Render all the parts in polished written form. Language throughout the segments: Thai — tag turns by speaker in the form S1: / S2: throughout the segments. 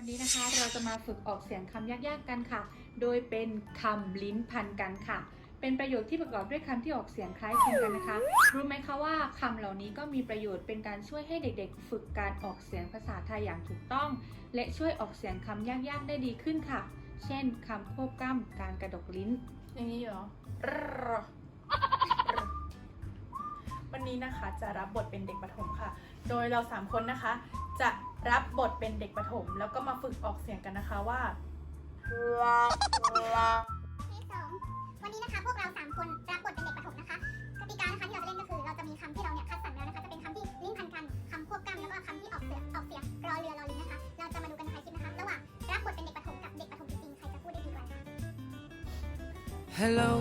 S1: วันนี้นะคะเราจะมาฝึกออกเสียงคำยากๆกันค่ะ โดยเป็นคำลิ้นพันกันค่ะ เป็นประโยคที่ประกอบด้วยคำที่ออกเสียงคล้ายคลึงกันนะคะ รู้ไหมคะว่าคำเหล่านี้ก็มีประโยชน์เป็นการช่วยให้เด็กๆฝึกการออกเสียงภาษาไทยอย่างถูกต้อง และช่วยออกเสียงคำยากๆได้ดีขึ้นค่ะ เช่นคำควบกล้ำการกระดกลิ้น
S2: อย่างนี้เหรอ วันนี้นะคะจะรับบทเป็นเด็กประถมค่ะ โดยเรา3คนนะคะจะรับบทเป็นเด็กประถมแล้วก็มาฝึกออกเสียงกันนะคะว่า
S3: วันนี้นะคะพวกเรา3คนรับบทเป็นเด็กประถมนะคะกติกานะคะที่เราจะเล่นก็คือเราจะมีคำที่เราเนี่ยคัดสรรแล้วนะคะจะเป็นคำที่ลิ้นพันกันคำควบกล้ำแล้วก็คำที่ออกเสียงรอเรือรอลิงนะคะเราจะมาดูกันในคลิปนะคะระหว่างรับบทเป็นเด็กประถมกับเด็กประถมจริงๆใครจะพูดได้ดีกว่า
S4: Hello,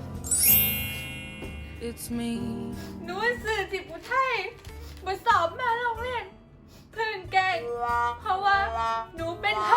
S4: it's me.
S2: หนูสื่อจิตอุทัยมาสอบมาโรงเรียนเพื่อนแกงเพราะว่าหนูเป็นเขา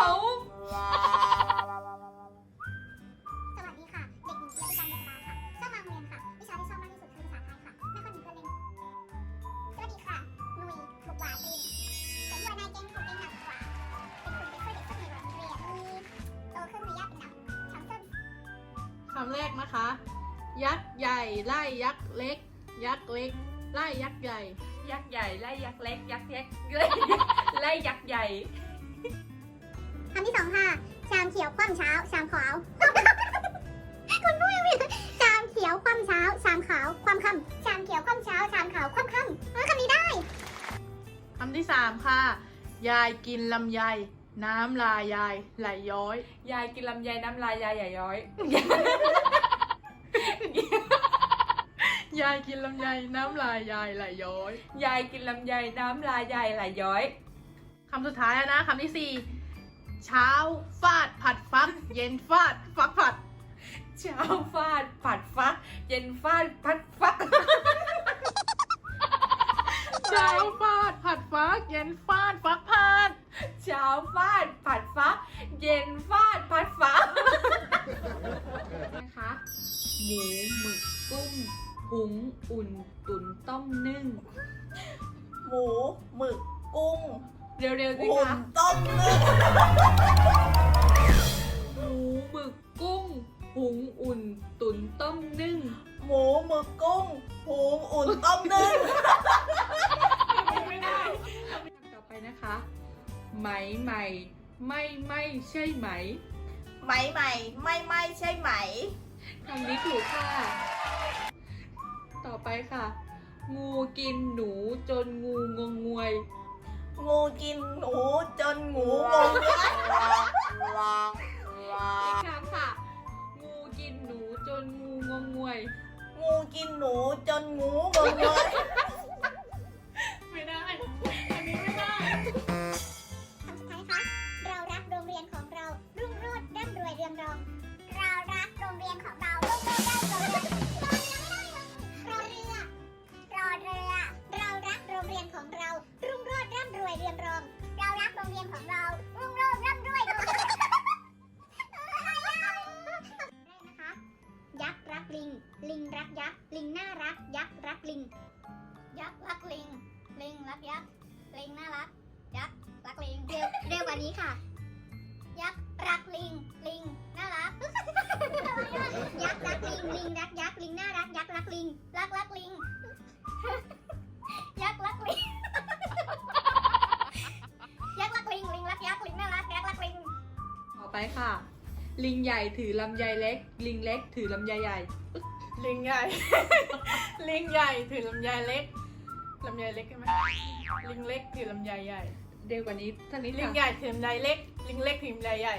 S3: สวัสดีค่ะเด็กหญิงเกียรติการเดชราค่ะชอบมาโรงเรียนค่ะวิชาที่ชอบมากที่สุดคือภาษาไทยค่ะไม่ค่อยมีเพื่อนเล่นสวัสดีค่ะหนุ่ยบุกหวาตีนเป็นหัวหน้าแก๊งของเองหนักกว่าเป็นคนเป็นข้อเด็กข้อในโรงเรียนมีโตขึ้นมีญาติเป็นดำช้ำส้น
S2: คำแรกนะคะ ยักษ์ใหญ่ไล่ยักษ์เล็ก ยักษ์เล็กไล่ยักษ์ใหญ่ ยักษ์ใหญ่ไล่ยักษ์เล็ก ยักษ์เล็กไล่ยักษ์ใหญ่
S3: คำที่2ค่ะชามเขียวคว่ำเช้าชามขาว คุณพูดยังไงชามเขียวคว่ำเช้าชามขาวคว่ำค่ำชามเขียวคว่ำเช้าชามขาวคว่ำค่ำคำนี้ได้
S2: คำที่3ค่ะ ยายกินลำไยน้ำลายยายไหลย้อย ยายกินลำไยน้ำลายยายไหลย้อย ยายกินลำไยน้ำลายยายไหลย้อย ยายกินลำไยน้ำลายยายไหลย้อย คำสุดท้ายแล้วนะคำที่4เช้าฟาดผัดฟัก เย็นฟาดฟักผัด เช้าฟาดผัดฟัก เย็นฟาดผัดฟัก เช้าฟาดผัดฟัก เย็นฟาดฟักผัด เช้าฟาดผัดฟัก เย็นฟาดผัดฟัก
S1: นะคะหมูหมึกกุ้งหุงอุ่นตุ๋นต้มนึ่ง
S5: หมูหมึกกุ้ง
S2: เร็วๆสิ
S5: หุ่น
S2: คะ
S5: ต้มนึ่ง
S1: หมูหมึกกุ้งหุงอุ่นตุ๋นต้มนึ่ง
S5: หมูหมึกกุ้งหุงอุ่นต้มนึ่ง
S2: ไม่ได้
S1: ต่อไปนะคะ ไหมใหม่ไม่ใช่ไหม
S5: ไหมใหม่ไม่ใช่ไหม
S1: คำนี้ถูกค่ะ ต่อไปค่ะ งูกินหนูจนงูงงงวย
S5: งูกินหนูจนงูงงเงย
S1: อีกครั้งค่ะ งูกินหนูจนงูงงงวย
S5: งูกินหนูจนงูงงเงย
S2: ไม่ได้ อันนี้ไม่ได้
S3: คำสุดท้ายนะคะเรารักโรงเรียนของเรารุ่งโรจน์ร่ำรวยเรืองรอง เรารักโรงเรียนของเรารุ่งโรจน์ร่ำรวยรอเรือเรารักโรงเรียนของเรารุ่งโรจน์ร่ำรวยเรืองรอง เรารักโรงเรียนของเรารุ่งโรจน์ร่ำรวยเรืองรองนะคะยักษ์รักลิง ลิงรักยักษ์ ลิงน่ารัก ยักษ์รักลิง ยักษ์รักลิง ลิงรักยักษ์ ลิงน่ารัก ยักษ์รักลิง เร็วกว่านี้ค่ะ ยักษ์รักลิง ลิงน่ารัก ยักษ์รักลิง ลิงรักยักษ์ ลิงน่ารัก ยักษ์รักลิง รักลิง ยักษ์รักลิง ยักษ์รักลิง ลิงรักยักษ์ ลิงน่ารัก ยักษ์รักลิง
S1: ต่อไปค่ะ ลิงใหญ่ถือลำไยเล็ก ลิงเล็กถือลำไยใหญ่
S2: ลิงใหญ่ ลิงใหญ่ถือลำไยเล็ก ลำไยเล็กใช่ไหมลิงเล็กถือลำไยใหญ่
S1: เร็วกว่านี้ท่านี้
S2: ลิง
S1: ค่ะ
S2: ใหญ่ถือลำไยเล็ก ลิงเล็กถือลำไยใหญ่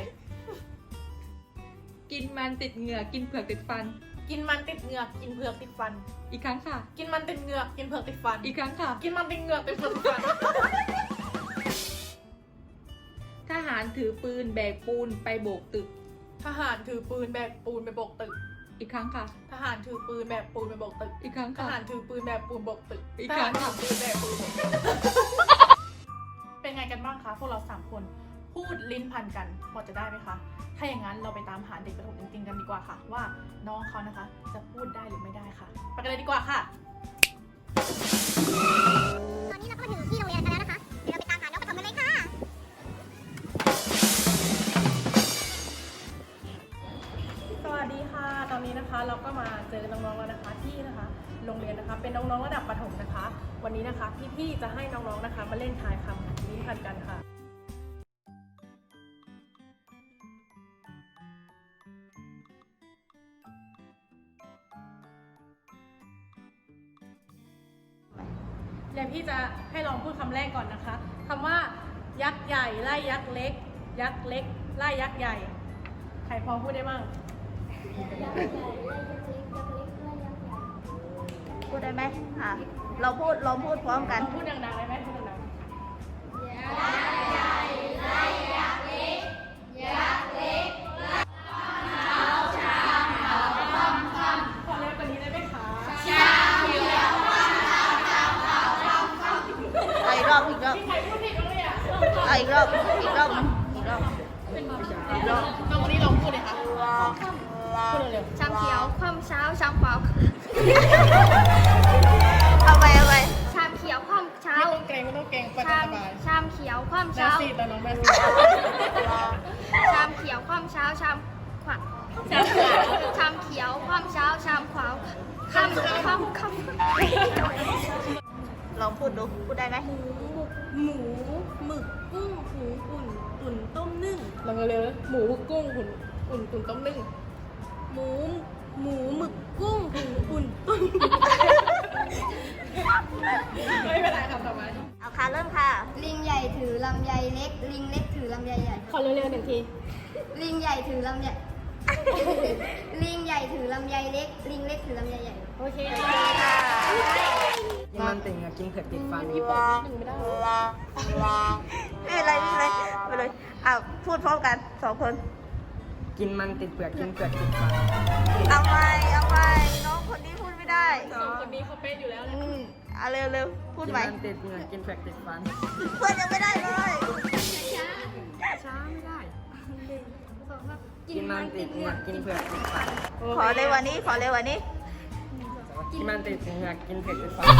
S1: กินมันติดเหงือกกินเผือกติดฟัน
S2: กินมันติดเหงือกกินเผือกติดฟัน
S1: อีกครั้งค่ะ
S2: กินมันติดเหงือกกินเผือกติดฟัน
S1: อีกครั้งค่ะ
S2: กินมันติดเหงือกติดเผือกติดฟัน
S1: ทหารถือปืนแบกปูนไปโบกตึก
S2: ทหารถือปืนแบกปูนไปโบกตึก
S1: อีกครั้งค่ะ
S2: ทหารถือปืนแบกปูนไปโบกตึก
S1: อีกครั้ง
S2: ท
S1: ค่ะ
S2: หารถือปืนแบกปูนโบกตึก
S1: อีก
S2: ท
S1: ครั้
S2: หารง ถื
S1: ค่ะ
S2: อปืนแบกปูนโบกตึก เป็นไงกันบ้างคะพวกเรา3คนพูดลิ้นพันกันพอจะได้ไหมคะ ถ้าอย่างนั้นเราไปตามหาเด็กประถมจริงๆกันดีกว่าค่ะ ว่าน้องเขานะคะจะพูดได้หรือไม่ได้ค่ะไปกันเลยดีกว่าค่ะ
S3: ตอนนี้เราก็มาถึงที่โรงเรียนกันแล้วนะคะ เดี๋ยวเราไปตามหาน้องประถมกันเลยค่ะ
S2: นะคะเราก็มาเจอน้องๆแล้วนะคะที่นะคะโรงเรียนนะคะเป็นน้องๆระดับประถมนะคะ วันนี้นะคะพี่ๆจะให้น้องๆนะคะมาเล่นทายคำลิ้นพันกันค่ะเดี๋ยวพี่จะให้ลองพูดคำแรกก่อนนะคะคำว่ายักษ์ใหญ่ไล่ยักษ์เล็ก ยักษ์เล็กไล่ยักษ์ใหญ่ใครพอพูดได้บ้าง
S5: พูดได้ไหมอ่ะเราพูดพร้อมกัน
S2: พูดดังๆได้ไหมพูดดังๆขอเร็วกว่านี้ได้ไหมคะ
S5: อีกรอบ
S2: ใครพูดผิดบ้างเนี่ย
S5: อีกรอบนึง
S2: น้องคนนี้ลองพูดเลยค่ะพูดเร็ว
S3: ชามเขียวคว่ำเช้าชามขวา
S5: เอาไป
S3: ชามเขียวคว่ำ
S2: ๆ
S3: เช้า
S2: ไม่ต้องเกรงไป
S3: ชาม
S2: สบาย
S3: ชามเขียวคว่ำ
S2: แม่
S3: เช้า
S2: ซีแต่น้องแม่ซี
S3: ชามเขียวคว่ำเช้าชามขวาชามเขียวคว่ำเช้าชามขวาค่ำ
S5: ลองพูดดู พูดได้ไหม
S2: หมูหมึกกุ้งหูอุ่นต้มนึ่งลองเร็วๆหมูกุ้งอุ่นต้มนึ่งหมูหมึกกุ้งหูอุ่นต้มไม่เป็นไรครับต่อมา
S5: เอาค่ะเริ่มค่ะ
S3: ลิงใหญ่ถือลำไยเล็ก ลิงเล็กถือลำไยใหญ่
S2: ขอเร็วๆหนึ่งที
S3: ลิงใหญ่ถือลำไย ลิงใหญ่ถือลำไยเล็ก ลิงเล็กถือลำไยใหญ่
S2: โอเค
S4: กินมันติ่งอะกินเผือกติดฟัน
S2: พี่ปอกหนึ่งไม่ได้
S5: ไม่เป็นไรไปเลยเอาพูดพร้อมกัน2 คน
S4: กินมันติดเปลือกกินเปลือกติดฟัน
S5: เอาไปน้องคนนี้พูดไม่ได้
S2: สองคนนี้เขาเป็นอยู่แล้วนะ
S5: เอาเร็วพูด
S4: กิน
S5: ใหม่
S4: มันติดเหงือกกินเปลือกติดฟัน
S5: เพื่อนยังไม่ได้เลย
S3: ช้าไม่ได้
S4: กินมันติดเหงือกกินเปลือกติดฟัน
S5: ขอเร็วกวันนี้
S4: กินมันติดเหงือกกินเปลือกติดฟัน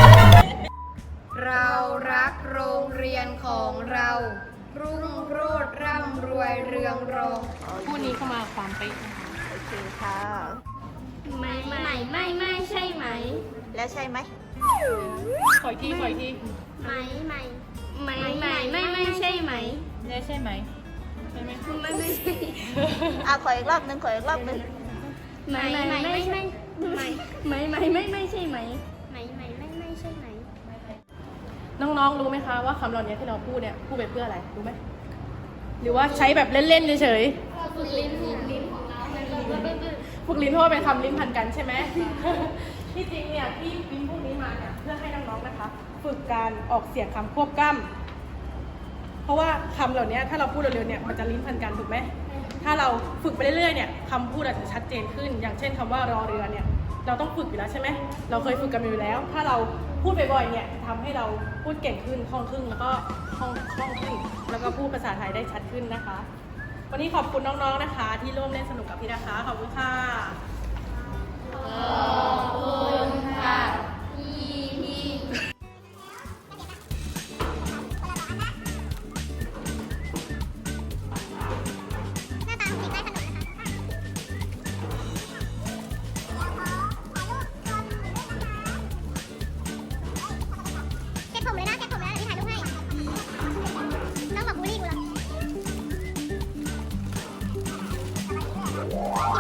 S3: เรารักโรงเรียนของเรา รุ่งโรจน์ร่ำรวยเรืองรอง
S2: คู่นี้เข้ามาความเป๊ะ
S5: โอเคค่ะ
S3: ไม่ใช่ไหม
S5: แล้วใช่ไหม
S2: ขออีกที
S3: ไม่ใช่ไหม
S2: ได้ใช่ไหมใช่ไหม
S3: ไม่ใช่
S5: เอาขออีกรอบนึง
S3: ไม่ใช่ไหมไม่ใช่ไหม
S2: น้องๆรู้ไหมคะว่าคำเหล่านี้ที่เราพูดเนี่ยพูดไปเพื่ออะไรรู้ไหมหรือว่าใช้แบบเล่นๆเฉยๆฝึกลิ้นเพราะว่าเป็นคำลิ้นพันกันใช่ไหม ที่จริงเนี่ยที่ลิ้นพวกนี้มาเนี่ยเพื่อให้น้องๆนะคะ ฝึกการออกเสียงคำควบกล้ำเพราะว่าคำเหล่านี้ถ้าเราพูดเร็วๆเนี่ยมันจะลิ้นพันกันถูกไหมถ้าเราฝึกไปเรื่อยๆเนี่ยคำพูดอาจจะชัดเจนขึ้น อย่างเช่นคำว่ารอเรือเนี่ยเราต้องฝึกอยู่แล้วใช่ไหมเราเคยฝึกกันอยู่แล้ว ถ้าเราพูดบ่อยๆเนี่ยจะทำให้เราพูดเก่งขึ้นคล่องขึ้นแล้วก็คล่องขึ้นแล้วก็พูดภาษาไทยได้ชัดขึ้นนะคะ วันนี้ขอบคุณน้องๆนะคะ ที่ร่วมเล่นสนุกกับพี่นะคะขอบคุณค่ะ
S3: หน้าตาของเด็กได้ขนมนะคะเช็ดผมเลยนะเดี๋ยวพี่ถ่ายรูปให้ น้องบอกบูลลี่กูเหรอ